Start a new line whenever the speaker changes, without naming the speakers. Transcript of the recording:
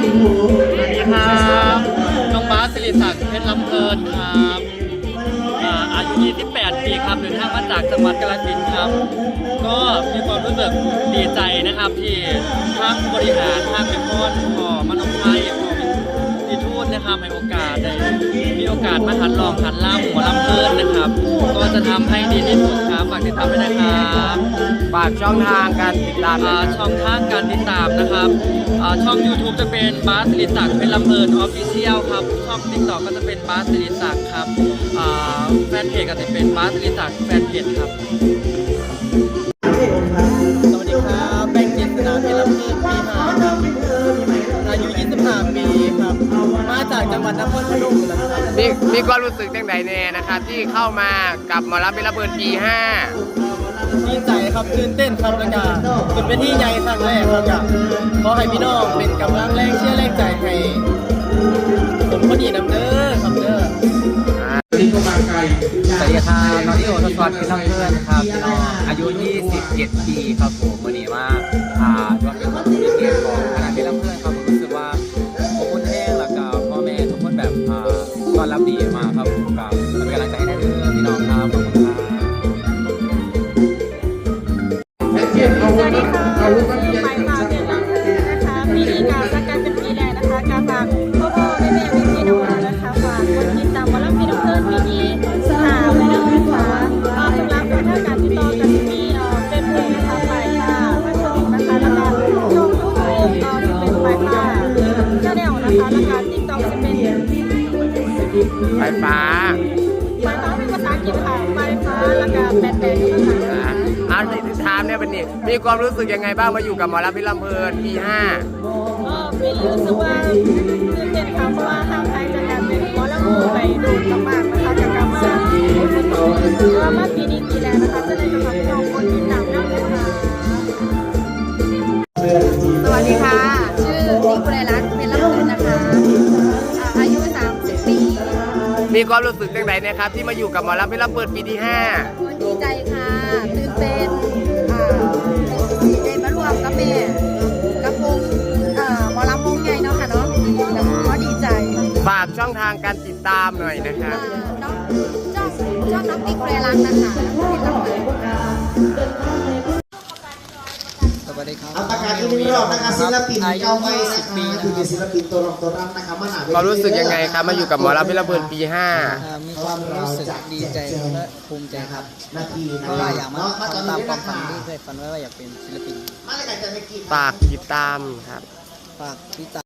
ครับน้องบาสศิริศักดิ์เพชรลำเพลินครับอายุ28 ปีครับเดินทางมาจากจังหวัดกาฬสินธุ์ครับก็มีความรู้สึกดีใจนะครับที่ทางบริหารทางเป็นคนขอมนุษย์ไทยขอที่ทูตนะครับให้โอกาสได้มีโอกาสมาหัดลองหัดล่ำหัวลำเพลินนะครับก็จะทำให้ดีที่สุดครับฝากติดตามด้วยนะครับ
ฝากช่องทางการติดตาม
ช่องทางการติดตามนะครับช่อง YouTube จะเป็นบาสศิริศักดิ์เป็นลำเพลินออฟฟิเชียลครับช่อง TikTok ก็จะเป็นบาสศิริศักดิ์ครับแฟนเพจก็จะเป็นบาสศิริศักดิ์แฟนเพจครับสวัสดีครับแบงค์เจษฎาเป็นลำเพลินปี5ครับอายุ25 ปีครับมาจากจังหวัดนครพนมนะครับ
มีความรู้สึกจังใดแน่นะครับที่เข้ามากับหมอลำเป็นระเบิดปี5
ดีใจครับตื่นเต้นครับแล้วก็เป็นเวทีใหญ่ครั้งแรกครับก็ขอให้พี่น้องเป็นกำลังแรงเชื่อแรงใจให้ผมคนนี้นำเด้อครับเด้อ
สวัสดีครับน้องที่โอทศวรรษเป็นน้องเพื่อนครับน้องอายุ27 ปีครับผมวันนี้ว่าว่าเป็นวันที่เกียรติของคณะเป็นน้องเพื่อนครับผมรู้สึกว่าขอบคุณแห้งแล้วก็พ่อแม่ทุกคนแบบต้อนรับดีมากครับผมกับเป็นกำลังใจให้ได้เลยพี่น้องครับขอบคุณครับ
สวัสดีค่ะชื่อไม้ฟ้าเป็นลำเพลินนะคะปีนี้การจัดการเป็นปีแรกนะคะการฝากพ่อแม่พี่น้องนะคะฝากกดติดตามวอลลุ่มพี่น้องเพลินปีนี้ไว้ด้วยนะคะสำหรับทางการติดต่อกันที่เป็นเพลงนะคะไม้ฟ้าพัชรินนะคะแล้วก็ช่องยูทูบจะเป็นไม้ฟ้าชาแนลนะคะแล้วก็ติ๊กต็อกจะเป็น
ไฟฟ้า
เป็นภาษาอังกฤษค่ะไม้ฟ้าแล้วก็แปดเป็นภาษา
อาร์ตถามเนี่ยเป็นนี่มีความรู้สึกยังไงบ้างมาอยู่กับหมอลำเป็นลำเพลินปี5
ปีรู้สึกว่าตื่นเต้นค่ะเพราะว่าทางไทยจะการเป็นหมอลำไปดูมากๆนะคะจากการมาปีนี้ปีแล้วนะคะจะได้กำลังน้องคนติดตามน้องนะคะ
สวัสดีค่ะชื่อนิกุลรัตน์เป็นลำเพลินนะคะอายุ30 ปี
มีความรู้สึกจังใดนะครับที่มาอยู่กับหมอลำเป็นลำเพลินปีที่5
ดีใจค่ะตื่นเต้นดีใจมารวมกับแม่กับวงหมอลำวงใหญ่เนาะค่ะเนาะแต่ก็ดีใจ
ฝากช่องทางการติดตามหน่อยนะครับ
ช่องน้องนิกุลรัตน์นะคะเป็นลำเพลิน
สวัสดีครับ
เอาประกาศอีกหนึ่งรอบนะครับศิลปินเก้าไม้10 ปีคือศิลปินตัวรองตัวรับนะครับมาหนาเวที
ความรู้สึกยังไงครับมาอยู่กับหมอลำเป็นลำเพลินปี
มีความรู้สึกดีใจและภูมิใจครับเพราะว่าอยากมาตามความฝันที่เคยฝันไว้ว่าอยากเป็นศิลปิน
ฝากติดตามครับ
ฝากติดตาม